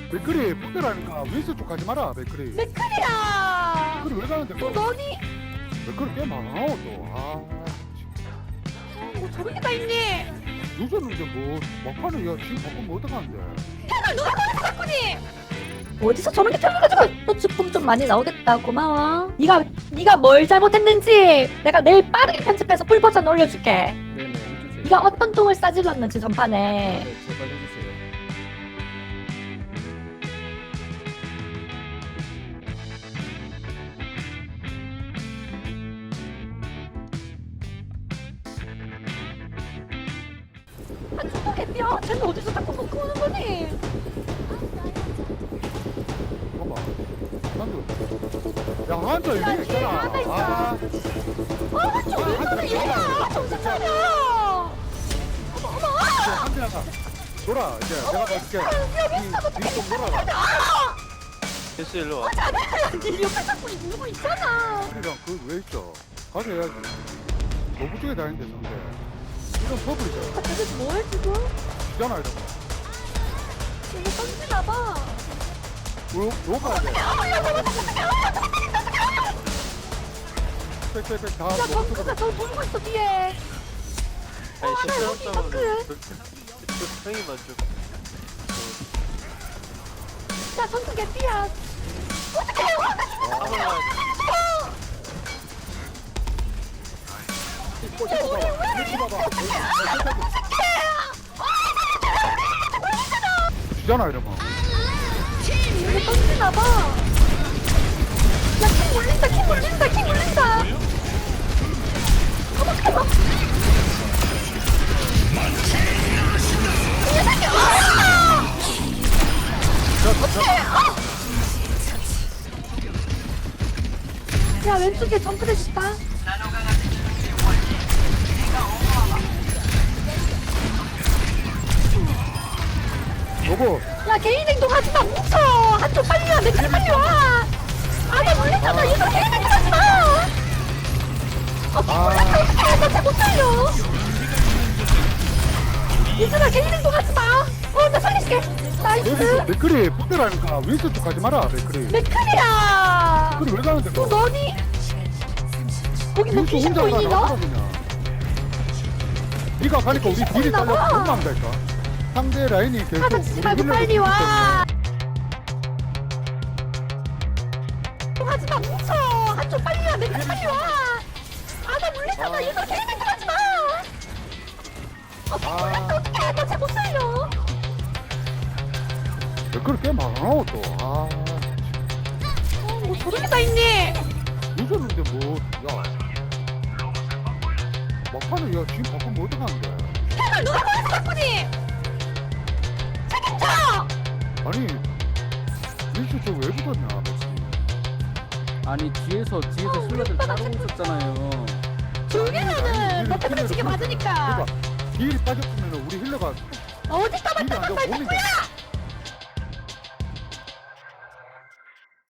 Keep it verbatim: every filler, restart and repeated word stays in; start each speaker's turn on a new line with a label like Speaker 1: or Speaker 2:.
Speaker 1: 맥크리 폭대라니까 윈스 쪽 가지 마라. 맥크리
Speaker 2: 맥클이야.
Speaker 1: 맥크리 왜 가는데?
Speaker 2: 또 너니?
Speaker 1: 맥크리 게임 안 하고 또아
Speaker 2: 뭐 저런 게 다 있니?
Speaker 1: 늦었는데 뭐 막판에 야 지금 바꾸면 어떡하는데?
Speaker 2: 패널 누가 꺼냈어 덕분이? 어디서 저런 게 튀어나가지고 또 주품 좀 많이 나오겠다. 고마워. 네가 네가 뭘 잘못했는지 내가 내일 빠르게 편집해서 풀 버전 올려줄게.
Speaker 3: 네네 해주세요.
Speaker 2: 네가 어떤 똥을 싸질렀는지 전판에.
Speaker 3: 네 제발 해주세요.
Speaker 2: 아 죽어 개뼈. 쟤는 어디서 자꾸 놓고 오는 거니?
Speaker 1: 봐봐 한두 야 한두
Speaker 2: 야,
Speaker 1: 여기
Speaker 2: 뒤에
Speaker 1: 있잖아.
Speaker 2: 하나 있어.
Speaker 1: 아
Speaker 2: 아 좀 왜 그래 얘야. 정신 차려. 어머 어머.
Speaker 1: 한두 나가 돌아 이제 내가 갈게.
Speaker 2: 여기 있어.
Speaker 1: 니좀 놀아라.
Speaker 4: 됐어 일로 와.
Speaker 2: 네 옆에 자꾸 누구 있잖아.
Speaker 1: 우리랑 그 왜 있어? 가서 해야지. 너무 쪽에 다니는데 상대. 이런 버블이잖아.
Speaker 2: 아 저게 뭐해 지금?
Speaker 1: 지잖아 이런 거.
Speaker 2: 이거 던지나 봐.
Speaker 1: 요, 요 가야 돼. 빽빽빽 다
Speaker 2: 야
Speaker 1: 너무
Speaker 2: 덩크가
Speaker 1: 쪽에.
Speaker 2: 저 돌고 있어 뒤에.
Speaker 4: 아니
Speaker 2: 나 여기
Speaker 4: 실수했다고
Speaker 2: 덩크.
Speaker 4: 형이만 좀.
Speaker 2: 야 덩크 개피야. 어떡해 와.
Speaker 4: 한번 와.
Speaker 1: 꼬치 봐봐. 꼬치 봐봐. 지잖아 이러면.
Speaker 2: 이거 던지나 봐. 야킹 올린다 킹 올린다 킹 올린다. 어떡해 봐. 야 왼쪽에 점프대시 있다.
Speaker 1: 여보.
Speaker 2: 야 개인 행동하지 마 뭉쳐. 한쪽 빨리 와 맥주 빨리 와. 아나 놀랬잖아. 얘들 개인 행동하지 마. 아 몰랐다 어떡해. 나잘못 살려. 얘들아 개인 행동하지 마. 어나 살릴게.
Speaker 1: 여기서
Speaker 2: 나이스.
Speaker 1: 맥크리 폭대라니까 윈스 쪽 가지 마라. 맥크리
Speaker 2: 맥클이야.
Speaker 1: 맥크리 왜 가는데?
Speaker 2: 또 너니? 거기 뭐
Speaker 1: 윈스
Speaker 2: 귀신
Speaker 1: 혼자
Speaker 2: 보이니
Speaker 1: 가라
Speaker 2: 너?
Speaker 1: 그냥. 네가 가니까 우리 딜이
Speaker 2: 보이나
Speaker 1: 딸려
Speaker 2: 봐.
Speaker 1: 혼난다니까. 상대 라인이 계속
Speaker 2: 하다 치지
Speaker 1: 우리
Speaker 2: 말고
Speaker 1: 힐러를
Speaker 2: 빨리 와.
Speaker 1: 때문에.
Speaker 2: 하지 마 뭉쳐. 한쪽 빨리 와 맥주 빨리 와. 아나 놀랬잖아.
Speaker 1: 아.
Speaker 2: 얘들 개인 행동하지 마. 아
Speaker 1: 아.
Speaker 2: 몰랐다 어떡해. 나 잘 못 살려.
Speaker 1: 맥크리 게임 안 하고 또. 아
Speaker 2: 어, 뭐 저런 게 다 있니?
Speaker 1: 늦었는데 뭐. 야. 막판에 야 지금 바꾸면 어떡하는데?
Speaker 2: 패널 누가 꺼냈어 덕분이? 책임져!
Speaker 1: 아니 윈스 쪽 왜 붙었냐? 맥크리.
Speaker 3: 아니 뒤에서 뒤에서
Speaker 2: 어, 우리
Speaker 3: 힐러들
Speaker 2: 오빠가
Speaker 3: 따로
Speaker 2: 자꾸-
Speaker 3: 오셨잖아요.
Speaker 2: 조용히
Speaker 1: 아니,
Speaker 2: 하는
Speaker 1: 우리
Speaker 2: 너 때문에
Speaker 1: 힐러를
Speaker 2: 지게
Speaker 1: 그러니까.
Speaker 2: 맞으니까
Speaker 1: 그러니까 딜이 빠졌으면 우리 힐러가
Speaker 2: 어디
Speaker 1: 딜이
Speaker 2: 떠봤다
Speaker 1: 안 되고
Speaker 2: 말
Speaker 1: 몸이
Speaker 2: 거야?